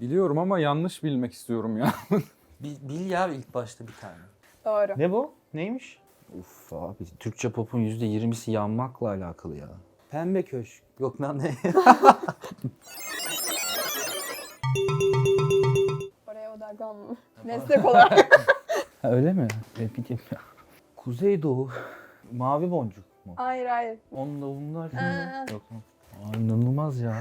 Biliyorum ama yanlış bilmek istiyorum ya. Bil ya ilk başta bir tane. Doğru. Ne bu? Neymiş? Uf abi Türkçe pop'un %20'si yanmakla alakalı ya. Pembe köşk. Yok lan ne? Oraya odaklanma. Meslek olarak. Ha, öyle mi? Bileyim ya. Kuzeydoğu. Mavi boncuk mu? Hayır hayır. Onunla bunlar. Aa. Yok mu? Aa, inanılmaz ya.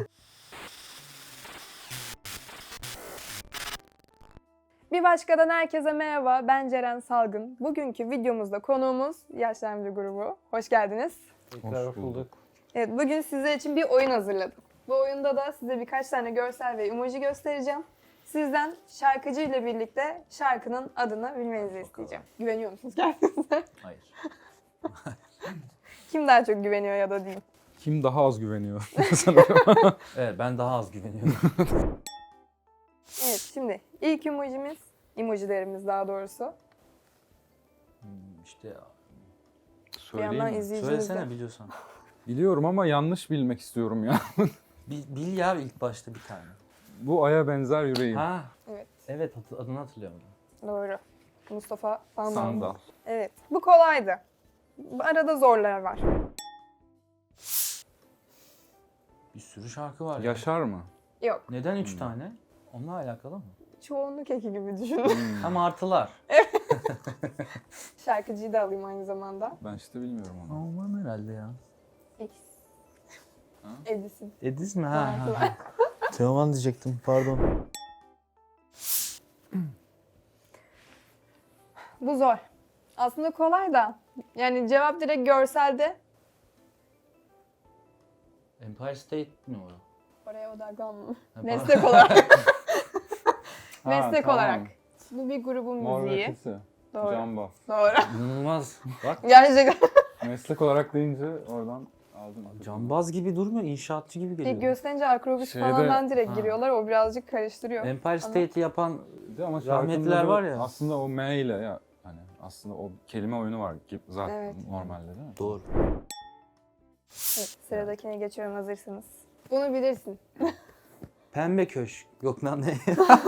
Bir başkadan herkese merhaba. Ben Ceren Salgın. Bugünkü videomuzda konuğumuz Yaşlanmacı grubu. Hoş geldiniz. Tekrar bulduk. Evet, bugün sizler için bir oyun hazırladım. Bu oyunda da size birkaç tane görsel ve emoji göstereceğim. Sizden şarkıcı ile birlikte şarkının adını bilmenizi isteyeceğim. Güveniyor musunuz kendinize? Hayır. Kim daha çok güveniyor ya da diyeyim. Kim daha az güveniyor sanırım. Evet ben daha az güveniyorum. Evet, şimdi ilk emojilerimiz daha doğrusu. işte Bir yandan Söyleyeyim mi? izleyicimiz de. söylesene biliyorsan. Biliyorum ama yanlış bilmek istiyorum ya. Bil ya ilk başta bir tane. Bu aya benzer yüreğim. Ha. Evet. Evet adını hatırlıyorum. Doğru. Mustafa Sandal. Sandal. Evet, bu kolaydı. Arada zorlar var. Bir sürü şarkı var ya. Yaşar mı? Yok, Neden 3 tane? Onunla alakalı mı? çoğunluk eki gibi düşünün. Hmm. Ama artılar. Şarkıcıyı da alayım aynı zamanda. Ben işte bilmiyorum onu. Aman herhalde ya. X. Ha? Edison. Ediz mi? Şarkılar. Teoman diyecektim pardon. Bu zor. Aslında kolay da. Yani cevap direkt görselde. Empire State mi o? Oraya odaklanma. Ha, Meslek olarak. Ha, Meslek tamam. olarak. Bu bir grubun Mor ve müziği. Ötesi. Doğru. Camba. Doğru. İnanılmaz. Bak Gerçekten. Meslek olarak deyince oradan aldım. cambaz gibi durmuyor, inşaatçı gibi geliyor. İlk gösterince akrobüs Şeyde- falandan direkt Ha. giriyorlar. O birazcık karıştırıyor. Empire State'i yapan Ama rahmetliler şarkının var adı ya. Aslında o M ile ya hani aslında o kelime oyunu var ki zaten Evet. normalde değil mi? doğru. Evet, sıradakine geçiyorum, hazırsınız. Bunu bilirsin. Pembe köşk. Yok lan ne?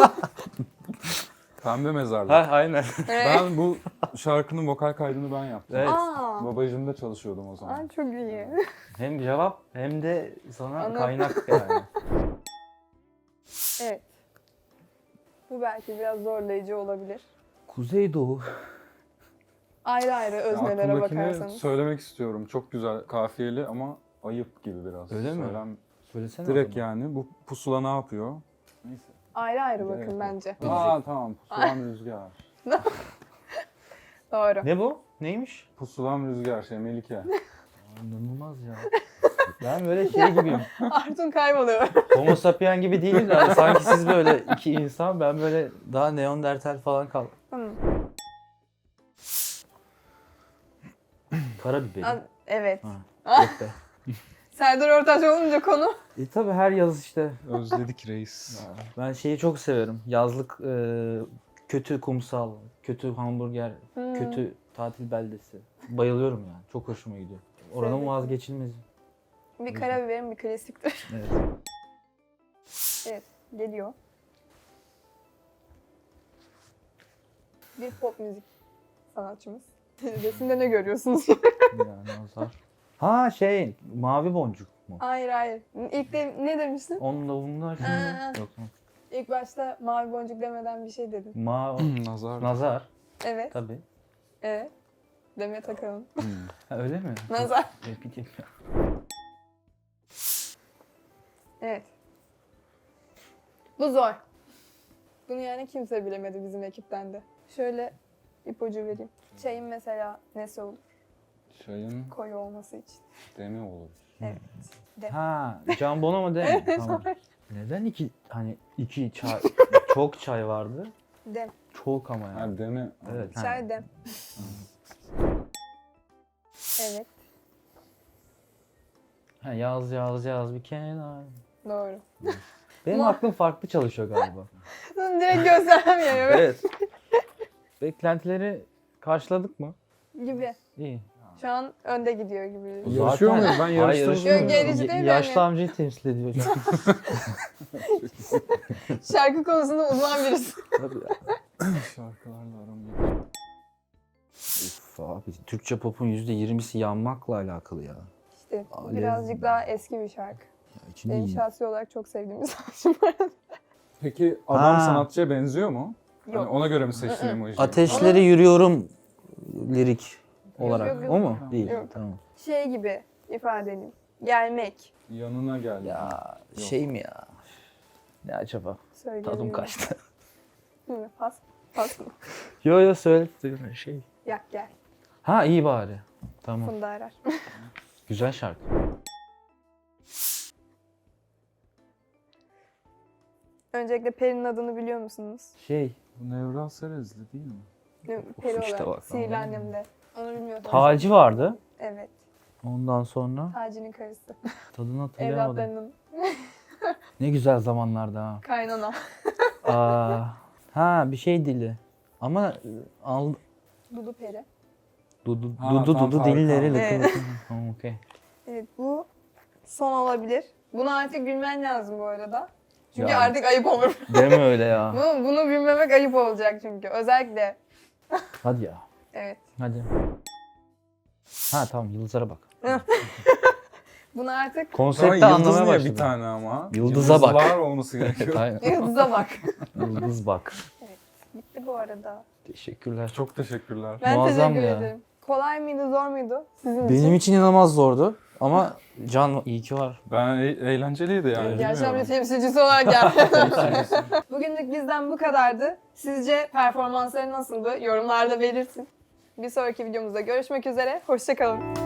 Pembe mezarlık. ha aynen. Ben bu şarkının vokal kaydını ben yaptım. Evet. Aa, Babacığımda çalışıyordum o zaman. aa, çok iyi. Hem cevap hem de sana Anladım. kaynak yani. Evet. Bu belki biraz zorlayıcı olabilir. Kuzeydoğu. Ayrı ayrı Ya öznelere aklımdakini bakarsanız. söylemek istiyorum. Çok güzel kafiyeli ama ayıp gibi biraz. Öyle mi? Söylesene. Direkt o zaman. yani bu pusula ne yapıyor? Neyse. Ayrı ayrı Gerek bakın yok. bence. Aa tamam. Pusulam rüzgar. Doğru. Ne bu? Neymiş? Pusulam rüzgar Melike. Aa, İnanılmaz ya. Ben böyle şey gibiyim. Artun kayboluyor. Homo sapien gibi değilim de hani sanki siz böyle iki insan, ben böyle daha neandertal falan kal. Tamam. Karabiber. Evet. Ha, yok be. Serdar Ortaç olunca konu. Tabii her yaz işte. Özledik reis. Ben şeyi çok severim. Yazlık kötü kumsal, kötü hamburger, kötü tatil beldesi. Bayılıyorum yani. Çok hoşuma gidiyor. Oranın Sevdim. vazgeçilmezi. Bir karabiberin bir klasiktir. Evet. Evet. Geliyor. Bir pop müzik sanatçımız. Resimde ne görüyorsunuz? Yani nazar. Ha şey, mavi boncuk mu? Hayır hayır. İlk de ne demiştin? Onunla bunlar. Aa. Yok mu? İlk başta mavi boncuk demeden bir şey dedin. Nazar. Nazar. Evet. Tabii. Evet. Demet Akalın. Ha, öyle mi? Nazar. Bileyim ya. Evet. Bu zor. Bunu yani kimse bilemedi bizim ekipten de. Şöyle ipucu vereyim. Çayın mesela nesi olur? Çayın Koyu olması için. demi olur. Evet. De. Ha, Can Bono mu değil mi? Evet, Tamam. Neden iki çay, çok çay vardı? Dem. Çok ama yani. Ha demi. Evet. Çay dem. Evet. Ha, yaz bir kenar. Doğru. Benim Ama- aklım farklı çalışıyor galiba. Bunu direkt gösteremiyorum. Evet. Beklentileri karşıladık mı? Gibi. İyi. Şu an önde gidiyor gibi. Zaten- Yarışıyor muyuz? Ben Hayır, yarıştırmıyorum. Yok, yarış değil Yaşlı yani. amcayı temsil ediyor. Şarkı konusunda uzman birisi. Tabii ya. Şarkılarla aram yok. Uf abi, Türkçe pop'un %20'si yanmakla alakalı ya. İşte Alev. birazcık daha eski bir şarkı. Ya içinde Benim şahsi olarak çok sevdiğim bir sanatçı bu arada. Peki adam Ha. sanatçıya benziyor mu? Hani Yok. ona göre mi seçtin emojiyi? Ateşleri yürüyorum lirik olarak. yok, yok. O mu? Değil. Yok. Tamam. Şey gibi ifade edeyim. Gelmek. Yanına geldi. Ya Yok. şey mi ya? Ne acaba? Söyleyelim. Tadım kaçtı. Hı, pas. Pas mı? Yo söyle şey. Yak gel. Ha iyi bari. Tamam. Funda Arar. Güzel şarkı. Öncelikle Peri'nin adını biliyor musunuz? Şey. Bu Nevral Serezli değil mi? Peri işte olarak. bak, Sihirli anladın mı? Annem'de. Onu bilmiyorsunuz. Taci vardı. Evet. Ondan sonra Taci'nin karısı. tadını hatırlayamadım. Evlatlarının Ne güzel zamanlarda ha. kaynana. Ha bir şey dili. Ama al Dudu Peri. dudu Ha, dudu tamam, dudu Tarık dilleri abi. lıkı Evet. lıkı. Tamam okey. Evet, bu son olabilir. Buna artık gülmen lazım bu arada. Çünkü Ya. artık ayıp olur. Deme öyle ya. Bunu bilmemek ayıp olacak çünkü. Özellikle. Hadi ya. Evet. Hadi. Ha tamam yıldızlara bak. Bunu artık Ama Konsepti yıldız anlamaya niye başladım. bir tane ama? Yıldıza bak. Yıldızlar olması gerekiyor. Aynen. yıldıza bak. Yıldız bak. Bitti bu arada. Teşekkürler. Çok teşekkürler. Ben Muazzam teşekkür ya. ederim. Kolay mıydı, zor muydu sizin için? Benim için inanılmaz zordu. Ama Can iyi ki var. Ben eğlenceliydi yani. Gerçekten bir bilmiyorum. temsilcisi olarak geldi. Bugünlük bizden bu kadardı. Sizce performansları nasıldı? Yorumlarda belirtin. Bir sonraki videomuzda görüşmek üzere. Hoşça kalın.